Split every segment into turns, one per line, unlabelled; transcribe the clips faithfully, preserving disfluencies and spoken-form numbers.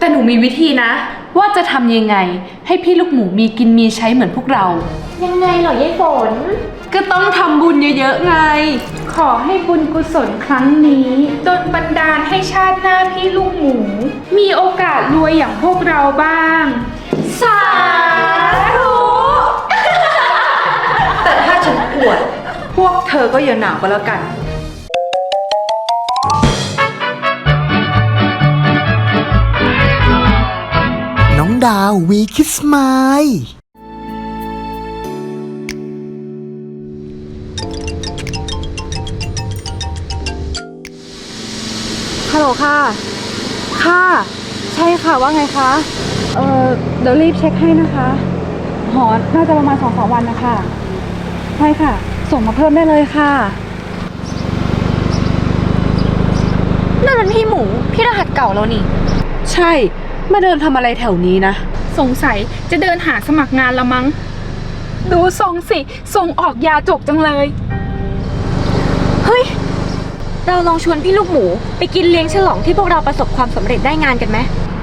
แต่หนูมีวิธีนะว่าจะทำยังไงให้พี่ลูกหมูมีกินมีใช้เหมือนพวกเรา
ยังไงเหรอยายฝน
ก็ต้องทำบุญเยอะๆไง
ขอให้บุญกุศลครั้งนี้ดลบันดาลให้ชาติหน้าพี่ลูกหมูมีโอกาสรวยอย่างพวกเราบ้าง
สาธุ
แต่ถ้าฉันอวดพวกเธอก็อย่าหนาวก็แล้วกัน
น้องดาววีคิสไมล์
ฮัลโหลค่ะค่ะใช่ค่ะว่าไงคะเออเดี๋ยวรีบเช็คให้นะคะหอน่าจะประมาณสองสามวันนะคะใช่ค่ะส่งมาเพิ่มได้เลยค่ะ
นั่นมันพี่หมูพี่รหัสเก่าเรานี่
ใช่มาเดินทำอะไรแถวนี้นะ
สงสัยจะเดินหาสมัครงานละมั้งดูทรงสิส่งออกยาจกจังเลย
เฮ้ยเราลองชวนพี่ลูกหมูไปกินเลี้ยงฉลองที่พวกเราประสบความสำเร็จได้งานกันไหม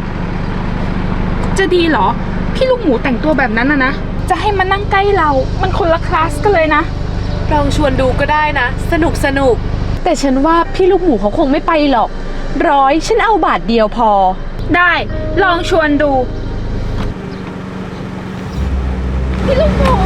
จะดีเหรอพี่ลูกหมูแต่งตัวแบบนั้นนะนะจะให้มานั่งใกล้เรามันคนละคลาสกันเลยนะ
ลองชวนดูก็ได้นะสนุกสนุกแต่ฉันว่าพี่ลูกหมูเขาคงไม่ไปหรอกร้อยฉันเอาบาทเดียวพอ
ได้ลองชวนดูพี่ลูกหมู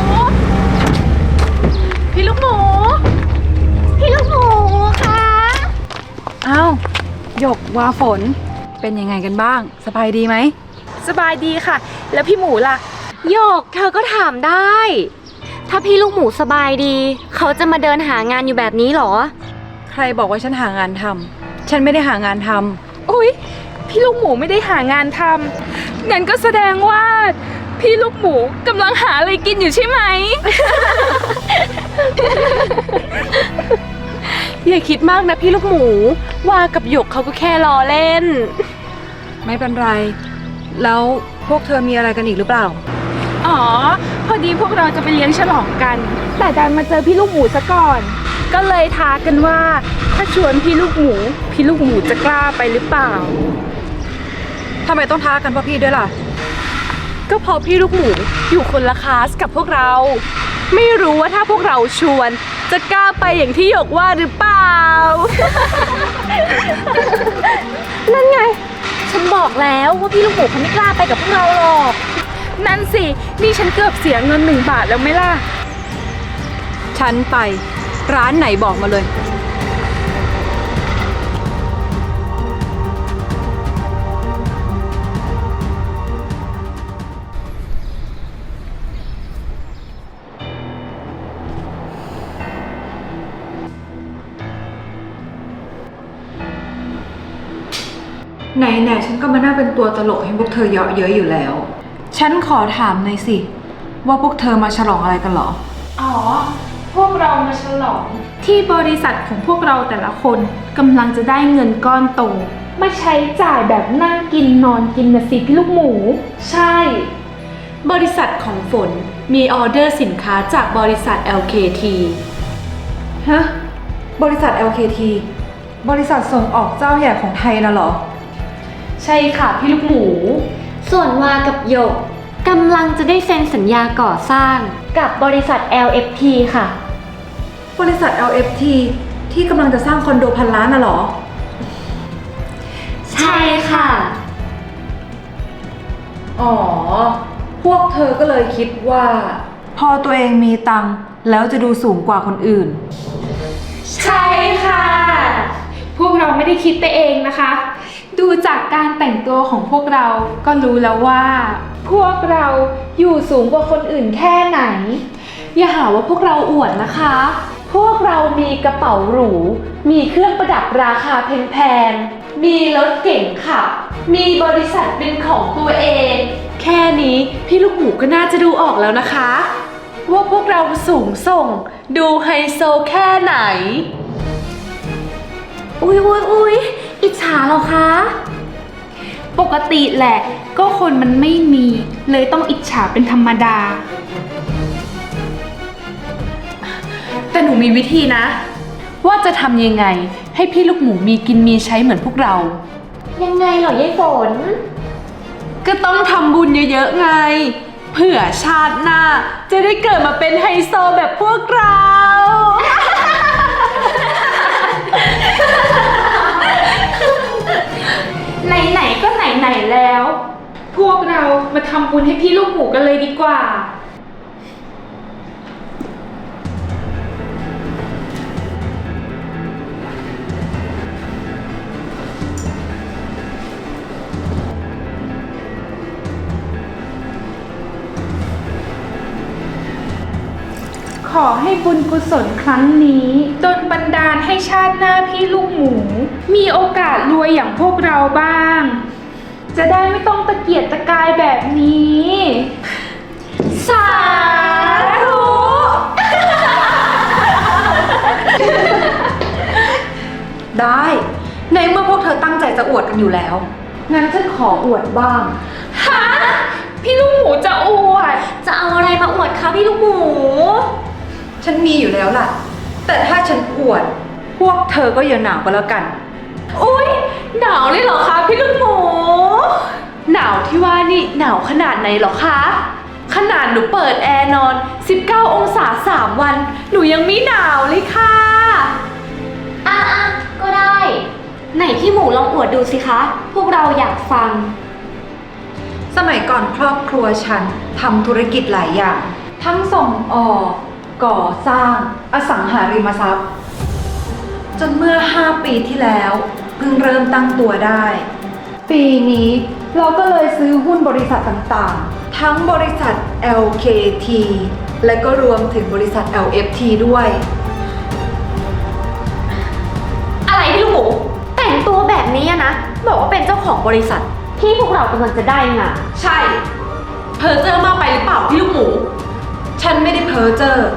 พี่ลูกหมู
พี่ลูกหมูคะ
อ้าวหยกวาฝนเป็นยังไงกันบ้างสบายดีไหม
สบายดีค่ะแล้วพี่หมูล่ะ
โยกเธอก็ถามได้ถ้าพี่ลูกหมูสบายดีเขาจะมาเดินหางานอยู่แบบนี้หรอ
ใครบอกว่าฉันหางานทำฉันไม่ได้หางานทำ
อุ๊ยพี่ลูกหมูไม่ได้หางานทำงั้นก็แสดงว่าพี่ลูกหมูกำลังหาอะไรกินอยู่ใช่ไหม
อย่าคิดมากนะพี่ลูกหมูว่ากับหยกเขาก็แค่ล้อเล่นไม่เป็นไรแล้วพวกเธอมีอะไรกันอีกหรือเปล่า
อ๋อพอดีพวกเราจะไปเลี้ยงฉลองกันแต่ดันมาเจอพี่ลูกหมูซะก่อนก็เลยท้ากันว่าถ้าชวนพี่ลูกหมูพี่ลูกหมูจะกล้าไปหรือเปล่า
ทำไมต้องท้ากันเพราะพี่ด้วยล่ะก็เพราะพี่ลูกหมูอยู่คนละคลาสกับพวกเราไม่รู้ว่าถ้าพวกเราชวนจะกล้าไปอย่างที่หยกว่าหรือเปล่า
นั่นไงฉันบอกแล้วว่าพี่ลูกหมูเขาไม่กล้าไปกับพวกเราหรอก
นั่นสินี่ฉันเกือบเสียเงินหนึ่งบาทแล้วไหมล่ะ
ฉันไปร้านไหนบอกมาเลยไหนๆฉันก็มาน่าเป็นตัวตลกให้พวกเธอเยาะเย้ยอยู่แล้วฉันขอถามหน่อยสิว่าพวกเธอมาฉลองอะไรกันหรอ
อ๋อพวกเรามาฉลองที่บริษัทของพวกเราแต่ละคนกำลังจะได้เงินก้อนโตมาใช้จ่ายแบบนั่งกินนอนกินนะสิพี่ลูกหมู
ใช่บริษัทของฝนมีออเดอร์สินค้าจากบริษัท แอล เค ที ฮะบริษัท แอล เค ที บริษัทส่งออกเจ้าใหญ่ของไทยน่ะเหรอใช่ค่ะพี่ลูกหมู
ส่วนวากับหยกกำลังจะได้เซ็นสัญญาก่อสร้างกับบริษัท แอล เอฟ ที ค่ะ
บริษัท แอล เอฟ ที ที่กำลังจะสร้างคอนโดพันล้านน่ะเหรอ
ใช่ค่ะ
อ๋อพวกเธอก็เลยคิดว่าพอตัวเองมีตังค์แล้วจะดูสูงกว่าคนอื่น
ใช่ค่ะพวกเราไม่ได้คิดไปเองนะคะดูจากการแต่งตัวของพวกเราก็รู้แล้วว่าพวกเราอยู่สูงกว่าคนอื่นแค่ไหน
อย่าหาว่าพวกเราอวดนะคะพวกเรามีกระเป๋าหรูมีเครื่องประดับราคาแพงๆมีรถเก๋งขับมีบริษัทเป็นของตัวเองแค่นี้พี่ลูกหมูก็น่าจะดูออกแล้วนะคะว่าพวกเราสูงส่งดูไฮโซแค่ไหน
อุ๊ยอุ๊ยอุ๊ยอิจฉาเหรอคะ
ปกติแหละก็คนมันไม่มีเลยต้องอิจฉาเป็นธรรมดา
แต่หนูมีวิธีนะว่าจะทำยังไงให้พี่ลูกหมูมีกินมีใช้เหมือนพวกเรา
ยังไงเหรอยายฝน
ก็ต้องทำบุญเยอะๆไง เผื่อชาติหน้าจะได้เกิดมาเป็นไฮโซแบบพวกเรา
ไหนๆก็ไหนๆแล้ว พวกเรามาทำบุญให้พี่ลูกหมูกันเลยดีกว่า ขอให้บุญกุศลครั้งนี้ดลบันดาลให้ชาติหน้าพี่ลูกหมู มีโอกาสรวยอย่างพวกเราบ้าง จะได้ไม่ต้องตะเกียกตะกายแบบนี้ สาธุ
ได้ ในเมื่อพวกเธอตั้งใจจะอวดกันอยู่แล้ว งั้นฉันขออวดบ้าง
ฮะพี่ลูกหมูจะอวด
จะเอาอะไรมาอวดคะพี่ลูกหมู
ฉันมีอยู่แล้วล่ะ แต่ถ้าฉันอวด พวกเธอก็อย่าหนาวก็แล้วกัน
อุ๊ย หนาวเลยเหรอคะพี่ลูกหมู หนาวที่ว่านี่หนาวขนาดไหนเหรอคะ ขนาดหนูเปิดแอร์นอน สิบเก้า องศาสามวัน หนูยังไม่หนาวเลยค่ะ
อ่ะอ่ะก็ได้ ไหนพี่หมูลองอวดดูสิคะ พวกเราอยากฟัง
สมัยก่อนครอบครัวฉันทำธุรกิจหลายอย่าง ทั้งส่งออก ก่อสร้าง อสังหาริมทรัพย์ จนเมื่อห้าปีที่แล้วเพิ่งเริ่มตั้งตัวได้ ปีนี้เราก็เลยซื้อหุ้นบริษัทต่างๆ ทั้งบริษัท แอล เค ที และก็รวมถึงบริษัท แอล เอฟ ที ด้วย
อะไรพี่ลูกหมู แต่งตัวแบบนี้อะนะ บอกว่าเป็นเจ้าของบริษัท ที่พวกเรากำลังจะได้งาน
ใช่ เพอเจอมากไปหรือเปล่าพี่ลูกหมู
ฉันไม่ได้เพ้อเจ้อ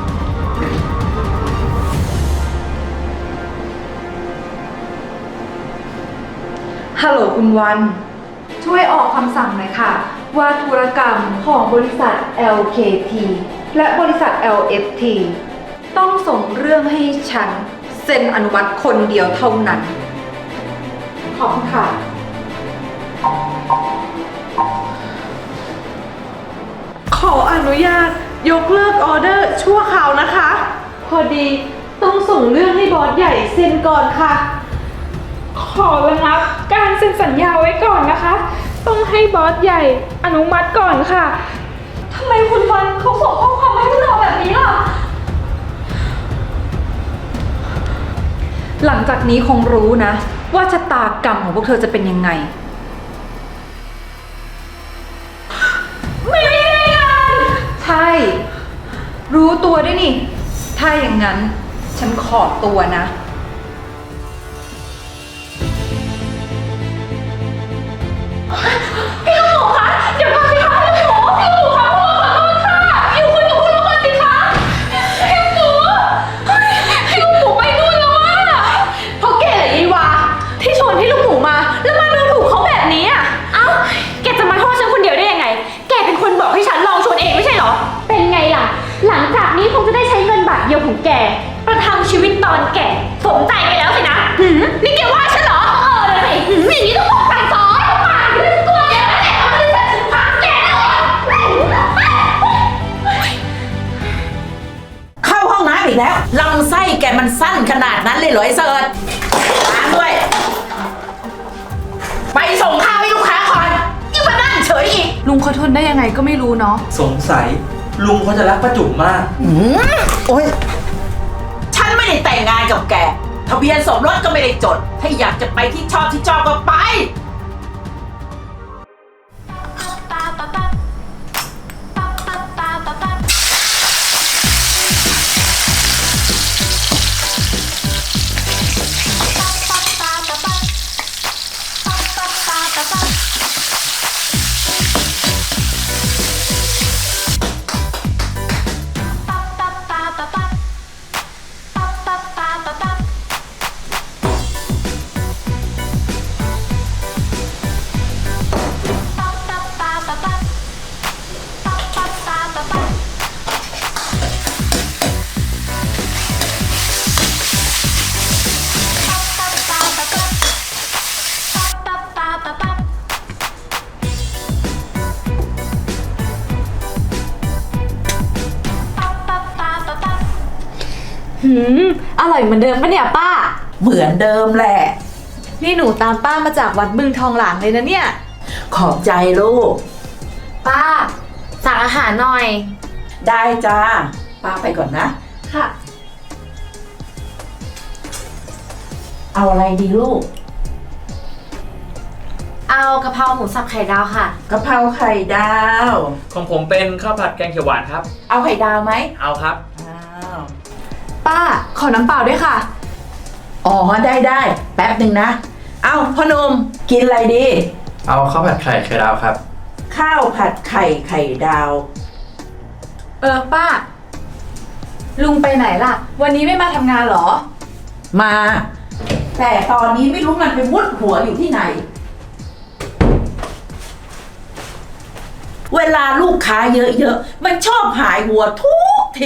ฮัลโหลคุณวัน ช่วยออกคำสั่งหน่อยค่ะ ว่าธุรกรรมของบริษัท แอล เค ที และบริษัท แอล เอฟ ที ต้องส่งเรื่องให้ฉันเซ็นอนุมัติคนเดียวเท่านั้น ขอบคุณค่ะ
ขออนุญาตยกเลิกออเดอร์ชั่วคราวนะคะ พอดีต้องส่งเรื่องให้บอสใหญ่เซ็นก่อนค่ะ
ขอระงับการเซ็นสัญญาไว้ก่อนนะคะ ต้องให้บอสใหญ่อนุมัติก่อนค่ะ
ทำไมคุณวันเขาส่งข้อความมาให้พวกเราแบบนี้ล่ะ
หลังจากนี้คงรู้นะ ว่าชะตากรรมของพวกเธอจะเป็นยังไง
ไม่ได้งาน
ใช่ รู้ตัวด้วยนี่ ถ้าอย่างนั้น ฉันขอตัวนะ
พี่ลูกหมูคะ เดี๋ยวก่อนสิคะพี่ลูกหมูพี่ลูกหมูคะพวกเราขอโทษค่ะอยู่คุยกับคุณลูกหมูสิคะพี่ลูกหมูเฮ้ยพี่ลูกหมูไปนู่นแล้วอะ
เพราะแกเหรอยีวาที่ชวนพี่ลูกหมูมา แล้วมาดูถูกเขาแบบนี้อ่ะ
เอ้า แกจะมาโทษฉันคนเดียวได้ยังไง แกเป็นคนบอกให้ฉันลองชวนเองไม่ใช่เหรอ เป็นไงล่ะ หลังจากนี้คงจะได้ใช้เงินบาทเดียวของแก ประทังชีวิตตอนแก่สมใจไปแล้วสินะหืมนี่แกว่าฉันเหรอ เออเลยสิหืมอย่างนี้ต้องบอกสั่งสอนปากเรื่องตัวแกแล้วแต่เอาไม่ได้ฉันถึงพักแกแล้ว
เข้าห้องน้ำอีกแล้วลำไส้แกมันสั้นขนาดนั้นเลยเหรอไอ้เสิร์ชล้างด้วย ไปส่งข้าวให้ลูกค้าก่อนยิ่งมานั่งเฉยอีก
ลุงเขาทนได้ยังไงก็ไม่รู้เนาะ
สงสัยลุงเขาจะรักป้าจุ๋มมาก
อืมโอ๊ยฉันไม่ได้แต่งงานกับแก ทะเบียนสมรสก็ไม่ได้จด ถ้าอยากจะไปที่ชอบที่ชอบก็ไป
หืม อร่อยเหมือนเดิมปะเนี่ยป้า
เหมือนเดิมแหละ
นี่หนูตามป้ามาจากวัดบึงทองหลางเลยนะเนี่ย
ขอบใจลูก
ป้า สั่งอาหารหน่อย
ได้จ้า ป้าไปก่อนนะ
ค่ะ
เอาอะไรดีลูก
เอากะเพราหมูสับไข่ดาวค่ะ
กะเพราไข่ดาว
ของผมเป็นข้าวผัดแกงเขียวหวานครับ
เอาไข่ดาวไหม
เอาครับ
อ้าว
ป้า ขอน้ำเปล่าด้วยค่ะ
อ๋อได้ได้แป๊บหนึ่งนะ เอาพ่อหนุ่มกินอะไรดี
เอาข้าวผัดไข่ไข่ดาวครับ
ข้าวผัดไข่ไข่ดาว
เออป้า ลุงไปไหนล่ะ วันนี้ไม่มาทำงานเหรอ
มา แต่ตอนนี้ไม่รู้มันไปมุดหัวอยู่ที่ไหน เวลาลูกค้าเยอะๆ มันชอบหายหัวทุกที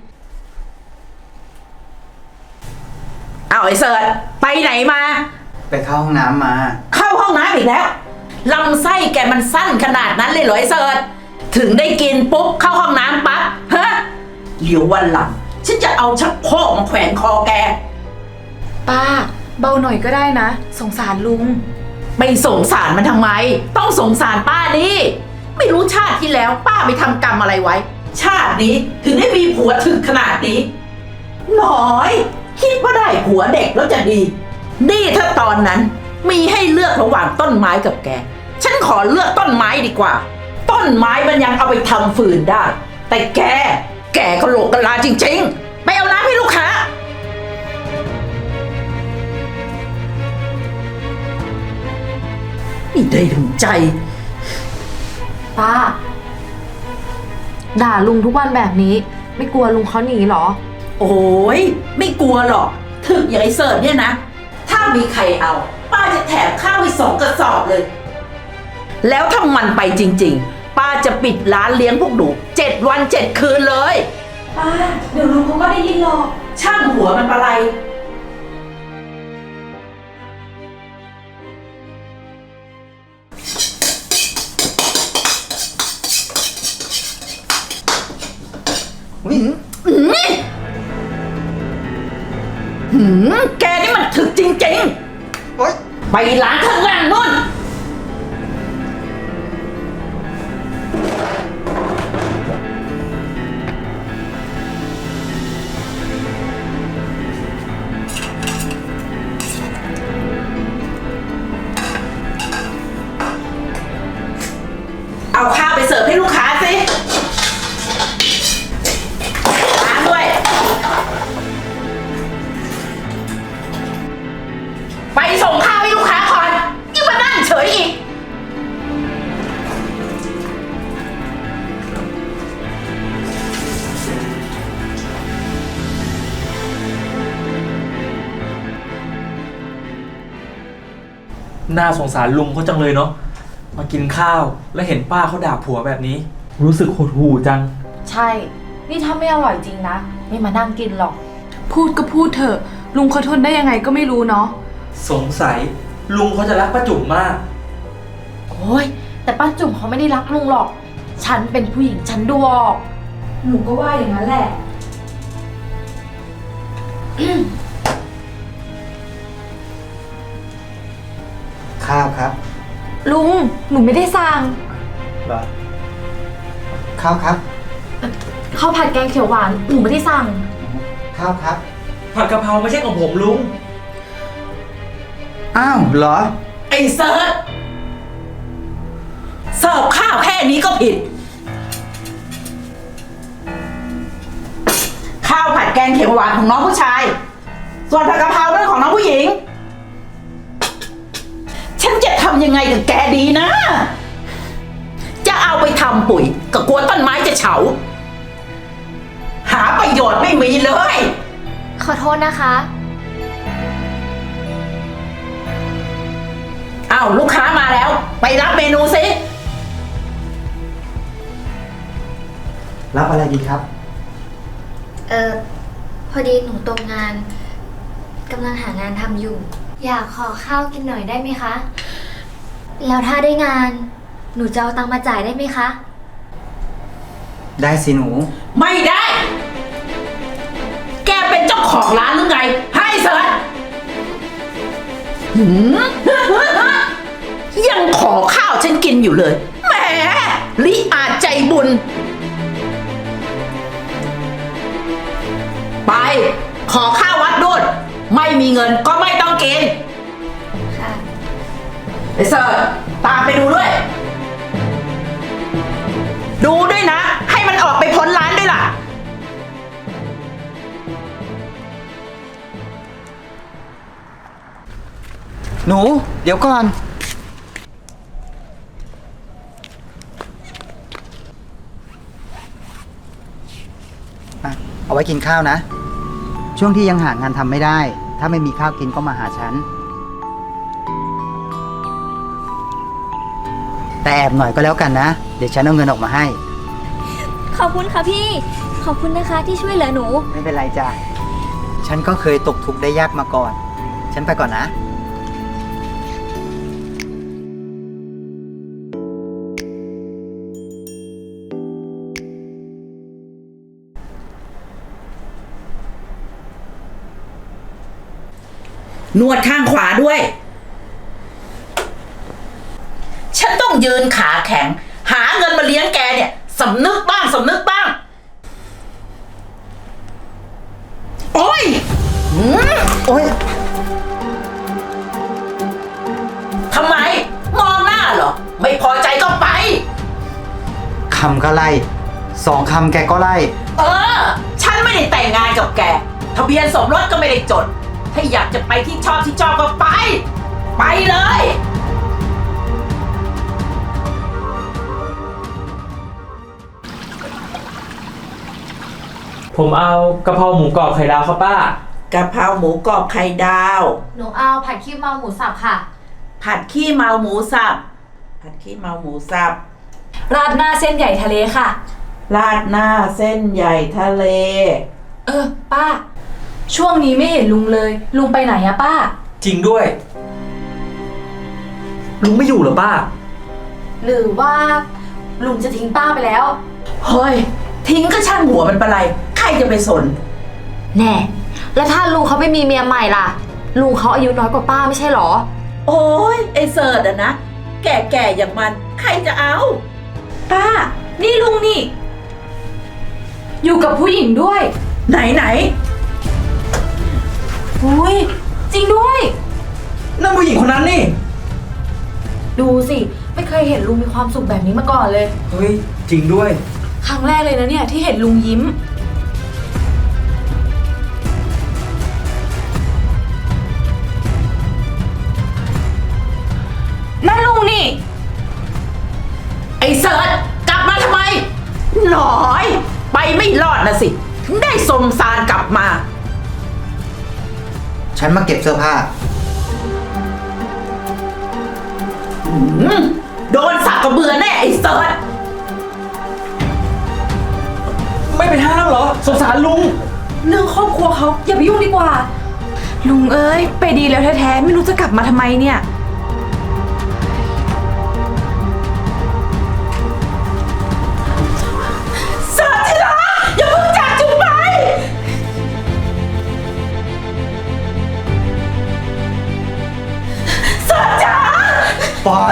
เอาไอ้เสิร์ชไปไหนมา
ไปเข้าห้องน้ำมา
เข้าห้องน้ำอีกแล้วลำไส้แกมันสั้นขนาดนั้นเลยเหรอไอ้เสิร์ชถึงได้กินปุ๊บเข้าห้องน้ำปั๊บฮะเดี๋ยววันหลังฉันจะเอาชักโครกมาแขวนคอแก
ป้า เบาหน่อยก็ได้นะ สงสารลุง
ไปสงสารมันทำไม ต้องสงสารป้านี่ไม่รู้ชาติที่แล้วป้าไปทำกรรมอะไรไว้ ชาตินี้ถึงได้มีผัวถึงขนาดนี้น้อย คิดว่าได้ผัวเด็กแล้วจะดี นี่ถ้าตอนนั้นมีให้เลือกระหว่างต้นไม้กับแก ฉันขอเลือกต้นไม้ดีกว่า ต้นไม้มันยังเอาไปทำฟืนได้ แต่แก แกก็โหลกกะลาจริงๆ ไปเอาน้ำให้ลูกค้านี่ได้ถึงใจ
ป้า ด่าลุงทุกวันแบบนี้ ไม่กลัวลุงเขาหนีเหรอ
โอ้ยไม่กลัวหรอก ถึกอย่างไอ้เสิร์ชเนี่ยนะ ถ้ามีใครเอา ป้าจะแถมข้าวไปสองกระสอบเลย แล้วถ้ามันไปจริงๆ ป้าจะปิดร้านเลี้ยงพวกหนูเจ็ดวันเจ็ดคืนเลย
ป้า เดี๋ยวลุงเขาก็ได้ยินหรอก
ช่างหัวมันปะไร
วิ่ง
หืมแกนี่มันถึกจริง
โอ๊ย
ๆ ไปร้านข้างล่างนู่น เอาข้าวไปเสิร์ฟให้ลูกค้าสิร้านด้วย ไปส่งข้าวให้ลูกค้าก่อนยิ่งมานั่งเฉยอีก
น่าสงสารลุงเขาจังเลยเนาะ มากินข้าวแล้วเห็นป้าเขาด่าผัวแบบนี้ รู้สึกหดหู่จัง
ใช่ นี่ถ้าไม่อร่อยจริงนะ ไม่มานั่งกินหรอก
พูดก็พูดเถอะ ลุงเขาทนได้ยังไงก็ไม่รู้เนาะ
สงสัยลุงเขาจะรักป้าจุ๋มมาก
โอ้ย แต่ป้าจุ๋มเขาไม่ได้รักลุงหรอก ฉันเป็นผู้หญิงฉันดูออก
หนูก็ว่าอย่างนั้นแหละ
ข้าวครับ
ลุง หนูไม่ได้สั่ง
เหรอ
ข้าวครับ
ข้าวผัดแกงเขียวหวานหนูไม่ได้สั่ง
ข้าวครับ
ผัดกะเพราไม่ใช่ของผมลุง
อ้าวเหรอ
ไอ้เซิร์ชเสิร์ฟข้าวแค่นี้ก็ผิด ข้าวผัดแกงเขียวหวานของน้องผู้ชาย ส่วนผัดกะเพราเป็นของน้องผู้หญิง ฉันจะทำยังไงกับแกดีนะ จะเอาไปทำปุ๋ยก็กลัวต้นไม้จะเฉา หาประโยชน์ไม่มีเลย
ขอโทษนะคะ
อ้าวลูกค้ามาแล้ว ไปรับเมนูสิ
รับอะไรดีครับ
เออพอดีหนูตกงานกำลังหางานทำอยู่ อยากขอข้าวกินหน่อยได้ไหมคะ แล้วถ้าได้งาน หนูจะเอาตังค์มาจ่ายได้ไหมคะ
ได้สิหนู
ไม่ได้แกเป็นเจ้าของร้านหรือไง ให้เสิร์ชหืม ยังขอข้าวฉันกินอยู่เลย แหมลิอาจใจบุญ ไป ขอข้าววัดด้วย ไม่มีเงินก็ไม่ต้องกิน
ค่ะ
ไอ้เสิร์ชตามไปดูด้วย ดูด้วยนะ ให้มันออกไปพ้นร้านด้วยล่ะ
หนู เดี๋ยวก่อนอ่ะเอาไว้กินข้าวนะ ช่วงที่ยังหางานทำไม่ได้ ถ้าไม่มีข้าวกินก็มาหาฉัน แต่แอบหน่อยก็แล้วกันนะ เดี๋ยวฉันเอาเงินออกมาให้
ขอบคุณค่ะพี่ ขอบคุณนะคะที่ช่วยเหลือหนู
ไม่เป็นไรจ้ะ ฉันก็เคยตกทุกข์ได้ยากมาก่อน ฉันไปก่อนนะ
นวดข้างขวาด้วย ฉันต้องยืนขาแข็ง หาเงินมาเลี้ยงแกเนี่ยสำนึกบ้างสำนึกบ้าง โอ้ยหืม
โอ๊ย
ทำไม มองหน้าเหรอ ไม่พอใจก็ไป
คำก็ไล่ สองคำแกก็ไล่
เออ ฉันไม่ได้แต่งงานกับแก ทะเบียนสมรสก็ไม่ได้จด ถ้าอยากจะไปที่ชอบที่ชอบก็ไป ไปเลย
ผมเอากะเพราหมูกรอบไข่ดาวครับป้า
กะเพราหมูกรอบไข่ดาว
หนูเอาผัดขี้เมาหมูสับค่ะ
ผัดขี้เมาหมูสับ ผัดขี้เมาหมูสับ
ราดหน้าเส้นใหญ่ทะเลค่ะ
ราดหน้าเส้นใหญ่ทะเล
เออ ป้า ช่วงนี้ไม่เห็นลุงเลย ลุงไปไหนอะป้า
จริงด้วย ลุงไม่อยู่เหรอป้า
หรือว่าลุงจะทิ้งป้าไปแล้ว
เฮ้ย ทิ้งก็ช่างหัวมันไปเลย ใครจะไปสน
แน่ แล้วถ้าลุงเขาไปมีเมียใหม่ล่ะ ลุงเขาอายุน้อยกว่าป้าไม่ใช่หรอ
โอ้ยไอเสิร์ตอะนะ แก่ๆอย่างมัน ใครจะเอา
ป้า นี่ลุงนี่ อยู่กับผู้หญิงด้วย
ไหนไหน
อุ้ยจริงด้วย
นั่นผู้หญิงคนนั้นนี่
ดูสิ ไม่เคยเห็นลุงมีความสุขแบบนี้มาก่อนเลย
เฮ้ย จริงด้วย
ครั้งแรกเลยนะเนี่ยที่เห็นลุงยิ้ม นั่นลุงนี่
ไอเสิร์ตกลับมาทำไม หน่อย ไปไม่รอดนะสิ ถึงได้สมสารกลับมา
ฉันมาเก็บเสื้อผ้า
อืมโดนสักกระเบือแน่ไอเสิร์ต
ไม่ไปห้ามเหรอ สงสารลุง
เรื่องครอบครัวเขาอย่าไปยุ่งดีกว่า ลุงเอ้ย ไปดีแล้วแท้ๆ ไม่รู้จะกลับมาทำไมเนี่ย
เสิร์ตที่รักอย่าเพิ่งจากจุ๊บไป เสิร์ตจ๋า
ปล่อย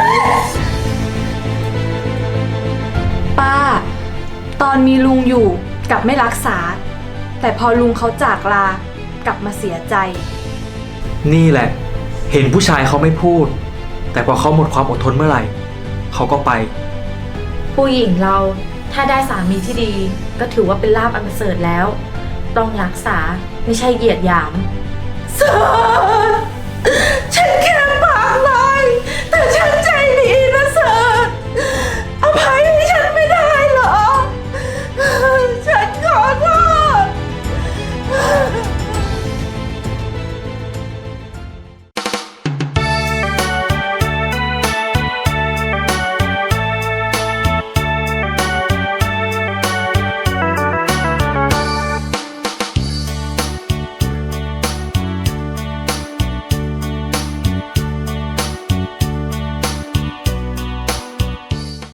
ป้า ตอนมีลุงอยู่กลับไม่รักษา แต่พอลุงเขาจากลากลับมาเสียใจ
นี่แหละ เห็นผู้ชายเขาไม่พูด แต่พอเขาหมดความอดทนเมื่อไหร่ เขาก็ไป
ผู้หญิงเราถ้าได้สามีที่ดีก็ถือว่าเป็นลาภอันประเสริฐแล้ว ต้องรักษาไม่ใช่เหยียดหยาม
เสิร์ต